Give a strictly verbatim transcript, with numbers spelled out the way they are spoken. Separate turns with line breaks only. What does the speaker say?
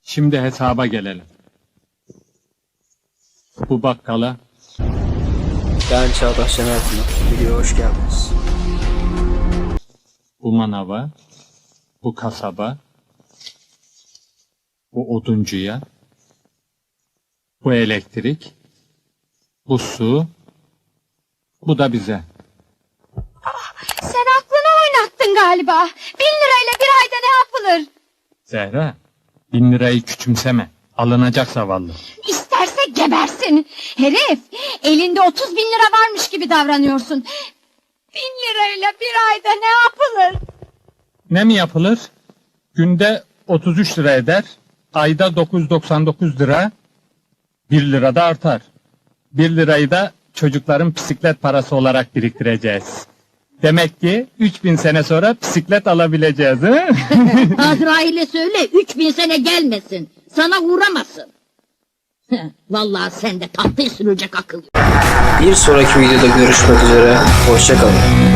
Şimdi hesaba gelelim. Bu bakkala
Ben Çağdaş Şener Pınar. Videoya hoş geldiniz.
bu manava, bu kasaba, bu oduncuya, bu elektrik, bu su, bu da bize.
Sen aklını oynattın galiba. Bin lirayla bir ayda ne yapılır?
Zehra, bin lirayı küçümseme. Alınacak zavallı.
İsterse gebersin. Herif, elinde otuz bin lira varmış gibi davranıyorsun. Bin lirayla bir ayda ne yapılır?
Ne mi yapılır? Günde otuz üç lira eder. Ayda dokuz yüz doksan dokuz lira. bir lira da artar. bir lirayı da çocukların bisiklet parası olarak biriktireceğiz. Demek ki üç bin sene sonra bisiklet alabileceğiz. He?
Azrail'e söyle üç bin sene gelmesin. Sana uğramasın. Vallahi sende tahtayı sürülecek akıl yok.
Bir sonraki videoda görüşmek üzere. Hoşça kalın.